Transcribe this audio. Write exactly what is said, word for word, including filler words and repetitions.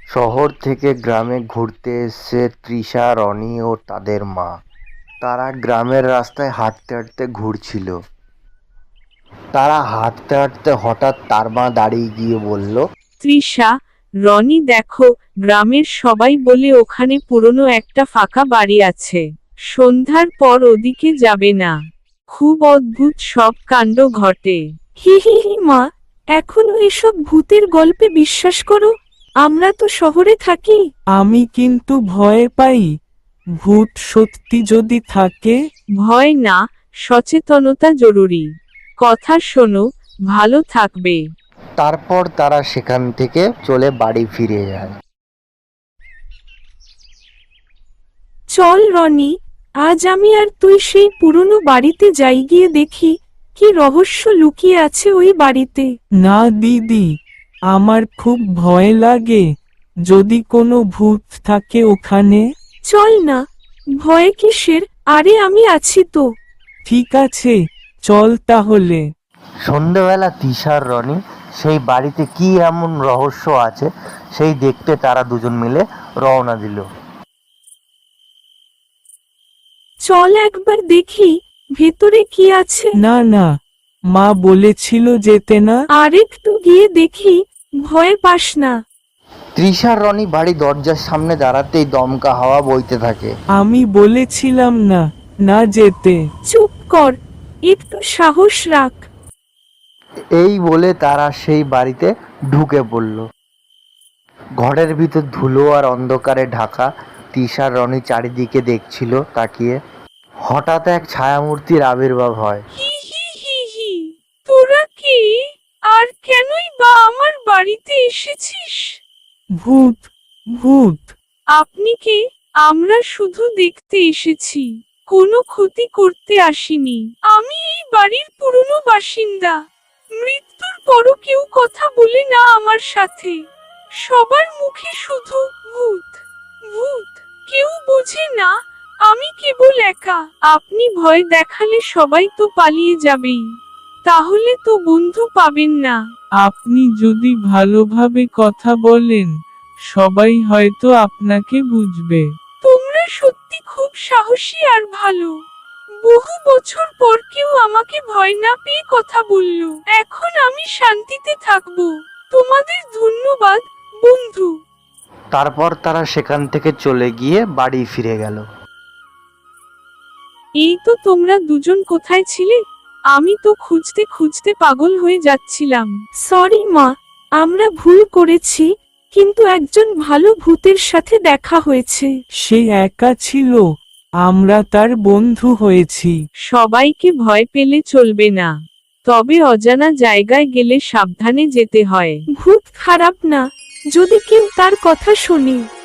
শহর থেকে গ্রামে ঘুরতে এসেছে তৃষা, রনি ও তাদের মা। তারা গ্রামের রাস্তায় হাঁটতে হাঁটতে ঘুরছিল। তারা হাঁটতে হাঁটতে হঠাৎ তার মা দাঁড়িয়ে গিয়ে বলল, তৃষা, রনি দেখো, গ্রামের সবাই বলে ওখানে পুরনো একটা ফাঁকা বাড়ি আছে। সন্ধ্যার পর ওদিকে যাবে না। খুব অদ্ভুত সব কাণ্ড ঘটে। হি হি হি মা, এখনো এসব ভূতের গল্পে বিশ্বাস করো? আমরা তো শহরে থাকি। আমি কিন্তু ভয় পাই। ভূত সত্যি যদি থাকে? ভয় না, সচেতনতা জরুরি। কথা শোনো, ভালো থাকবে। তারপর তারা সেখান থেকে চলে বাড়ি ফিরে যায়। চল রনি, আজ আমি আর তুই সেই পুরনো বাড়িতে যাই, গিয়ে দেখি কি রহস্য লুকিয়ে আছে ওই বাড়িতে। না দিদি, আমার খুব ভয় লাগে। যদি কোনো ভূত থাকে ওখানে? চল না, ভয় কিসের, আরে আমি আছি তো। ঠিক আছে, চল তাহলে। সন্ধেবেলা তৃষা আর রনি সেই বাড়িতে কি এমন রহস্য আছে সেই দেখতে তারা দুজন মিলে রওনা দিল। চল একবার দেখি ভেতরে কি আছে। না না, মা বলেছিল যেতে না। আরেকটু গিয়ে দেখি, ভয় পাস না। তৃষা আর রনি বাড়ি দরজার সামনে দাঁড়াতেই দমকা হাওয়া বইতে থাকে। আমি বলেছিলাম না, না যেতে। চুপ কর, একটু সাহস রাখ। এই বলে তারা সেই বাড়িতে ঢুকে পড়ল। ঘরের ভিতর ধুলো আর অন্ধকারে ঢাকা। তৃষা আর রনি চারিদিকে দেখছিল তাকিয়ে। হঠাৎ এক ছায়ামূর্তির আবির্ভাব হয়। হি হি হি হি, তোরা কি আর কেনই বা আমার বাড়িতে এসেছিস? ভূত, ভূত। আপনি কে? আমরা শুধু দেখতে এসেছি, কোনো ক্ষতি করতে আসিনি। আমি এই বাড়ির পুরনো বাসিন্দা। মৃত্যুর পরও কেউ কথা বলে না আমার সাথে। সবার মুখে শুধু ভূত ভূত। কেউ বোঝে না আমি কেবল একা। আপনি ভয় দেখালে সবাই তো পালিয়ে যাবেই, তাহলে তো বন্ধু পাবেন না। আপনি যদি ভালোভাবে কথা বলেন, সবাই হয়তো আপনাকে বুঝবে। তোমরা সত্যি খুব সাহসী আর ভালো। বহু বছর পর কেউ আমাকে ভয় না পেয়ে কথা বলল। এখন আমি শান্তিতে থাকবো। তোমাদের ধন্যবাদ, বন্ধু। তারপর তারা সেখান থেকে চলে গিয়ে বাড়ি ফিরে গেল। এই তো তোমরা দুজন কোথায় ছিলে? আমি তো খুঁজতে খুঁজতে পাগল হয়ে যাচ্ছিলাম। সরি মা, আমরা ভুল করেছি, কিন্তু একজন ভালো ভূতের সাথে দেখা হয়েছে। সে একা ছিল, আমরা তার বন্ধু হয়েছি। সবাইকে ভয় পেলে চলবে না, তবে অজানা জায়গায় গেলে সাবধানে যেতে হয়। ভূত খারাপ না, যদি কেউ তার কথা শুনে।